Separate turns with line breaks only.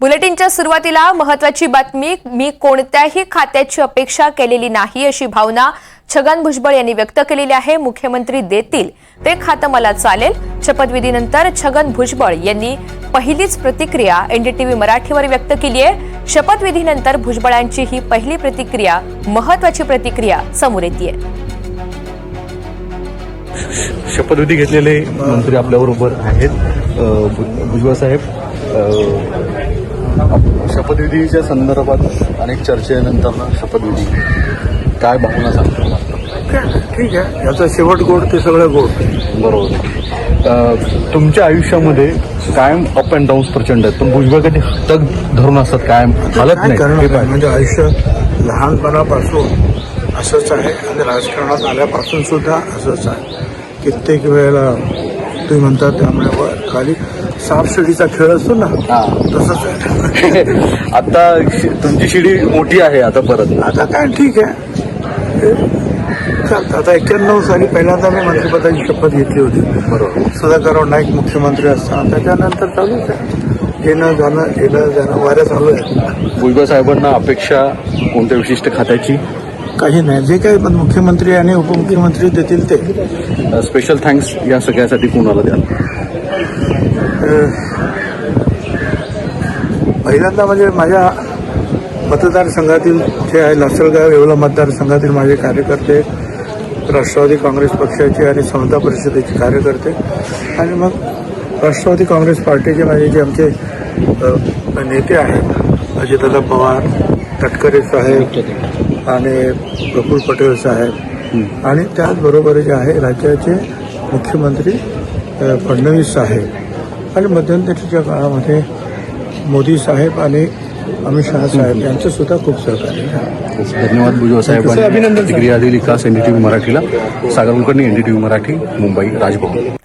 बुलेटिनच्या सुरुवातीला महत्त्वाची बातमी. मी कोणत्याही खात्याची अपेक्षा केलेली नाही अशी भावना छगन भुजबळ यांनी व्यक्त केलेली आहे. मुख्यमंत्री देतील ते खातं मला चालेल. शपथविधीनंतर छगन भुजबळ यांनी पहिलीच प्रतिक्रिया एनडीटीव्ही मराठीवर व्यक्त केली आहे. शपथविधीनंतर भुजबळांची ही पहिली प्रतिक्रिया, महत्त्वाची प्रतिक्रिया समोर येते.
शपथविधी घेतलेले मंत्री आपल्याबरोबर आहेत. भुजबळ साहेब, शपथविधीच्या संदर्भात अनेक चर्चेनंतर शपथविधी काय भावना सांगतो?
ठीक आहे, याचा शेवट गोड ते सगळं गोड.
बरोबर. तुमच्या आयुष्यामध्ये कायम अप अँड डाऊन प्रचंड आहेत, पण भुजबळ कधी तग धरून असतात, कायम हालत
काय
नाही.
करणार? म्हणजे आयुष्य लहानपणापासून असंच आहे आणि राजकारणात आल्यापासून सुद्धा असंच आहे. कित्येक वेळेला तुम्ही म्हणतात त्यामुळे खाली सापशिडीचा खेळ असतो ना, तसंच आहे.
आता तुमची शिडी मोठी आहे आता परत.
आता काय ठीक आहे, चालतं. आता 91 साली पहिल्यांदा मी मंत्रिपदाची शपथ घेतली होती.
बरोबर.
सुधाकरराव नाईक मुख्यमंत्री असताना. त्याच्यानंतर चालूच आहे, येणं जाणं वाऱ्या चालू आहे.
भुजबळ साहेबांना अपेक्षा कोणत्या विशिष्ट खात्याची?
काही नाही, जे काही मुख्यमंत्री आणि उपमुख्यमंत्री देतील ते.
स्पेशल थँक्स या सगळ्यासाठी कोणाला द्याल?
पहिल्यांदा म्हणजे माझ्या मतदारसंघातील जे आहे लासलगाव येवला मतदारसंघातील माझे कार्यकर्ते, राष्ट्रवादी काँग्रेस पक्षाचे आणि समता परिषदेचे कार्यकर्ते, आणि मग राष्ट्रवादी काँग्रेस पार्टीचे माझे जे आमचे नेते आहेत, अजितदादा पवार, तटकरे साहेब आणि प्रफुल्ल पटेल साहेब, आणि त्याचबरोबर जे आहे राज्याचे मुख्यमंत्री फडणवीस साहेब, आणि मध्यंतरीच्या काळामध्ये मोदी साहेब आणि अमित शहा साहेब यांचं सुद्धा खूप सहकार्य आहे.
धन्यवाद भुजबळ साहेबांनी प्रतिक्रिया दिली. खास एनडीटीव्ही मराठीला. सागर कुलकर्णी, एनडीटीव्ही मराठी, मुंबई, राजभवन.